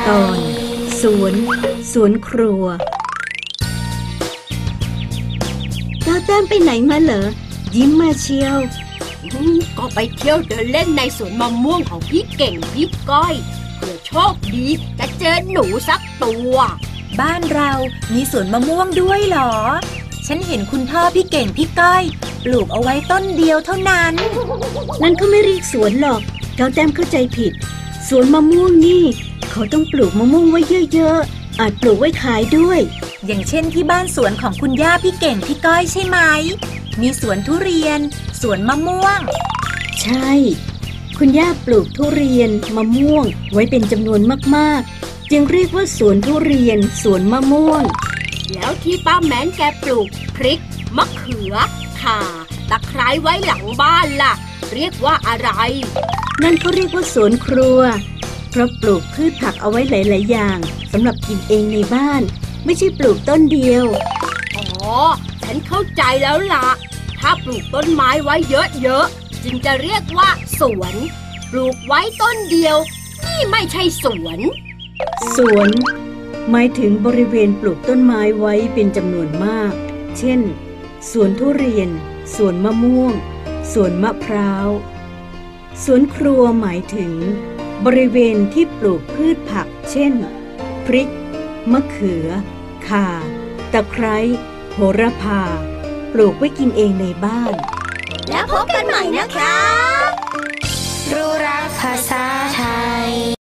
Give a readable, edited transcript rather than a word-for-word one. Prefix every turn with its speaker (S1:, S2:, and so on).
S1: ตอนสวนครัวเจ้าแต้มไปไหนมาเหรอยิ้มมาเชียว
S2: ก็ไปเที่ยวเดินเล่นในสวนมะม่วงของพี่เก่งพี่ก้อยเผื่อโชคดีจะเจอหนูสักตัว
S3: บ้านเรามีสวนมะม่วงด้วยเหรอฉันเห็นคุณพ่อพี่เก่งพี่ก้อยปลูกเอาไว้ต้นเดียวเท่านั้น
S1: นั่นเขาไม่เรียกสวนหรอกเจ้าแต้มเข้าใจผิดสวนมะม่วงนี่เขาต้องปลูกมะม่วงไว้เยอะๆอาจปลูกไว้ขายด้วย
S3: อย่างเช่นที่บ้านสวนของคุณย่าพี่เก่งพี่ก้อยใช่ไหมมีสวนทุเรียนสวนมะม่วง
S1: ใช่คุณย่าปลูกทุเรียนมะม่วงไว้เป็นจำนวนมากๆจึงเรียกว่าสวนทุเรียนสวนมะม่วง
S2: แล้วที่ป้าแม้นแกปลูกพริกมะเขือข่าตะไคร้ไว้หลังบ้านล่ะเรียกว่าอะไร
S1: นั่นเขาเรียกว่าสวนครัวเพราะปลูกพืชผักเอาไว้หลายๆอย่างสำหรับกินเองในบ้านไม่ใช่ปลูกต้นเดียว
S2: อ๋อฉันเข้าใจแล้วล่ะถ้าปลูกต้นไม้ไว้เยอะๆจึงจะเรียกว่าสวนปลูกไว้ต้นเดียวนี่ไม่ใช่สวน
S1: หมายถึงบริเวณปลูกต้นไม้ไว้เป็นจำนวนมากเช่นสวนทุเรียนสวนมะม่วงสวนมะพร้าวสวนครัวหมายถึงบริเวณที่ปลูกพืชผักเช่นพริกมะเขือข่าตะไคร้โหระพาปลูกไว้กินเองในบ้าน
S4: แล้วพบกันใหม่นะคะรู้รักภาษาไทย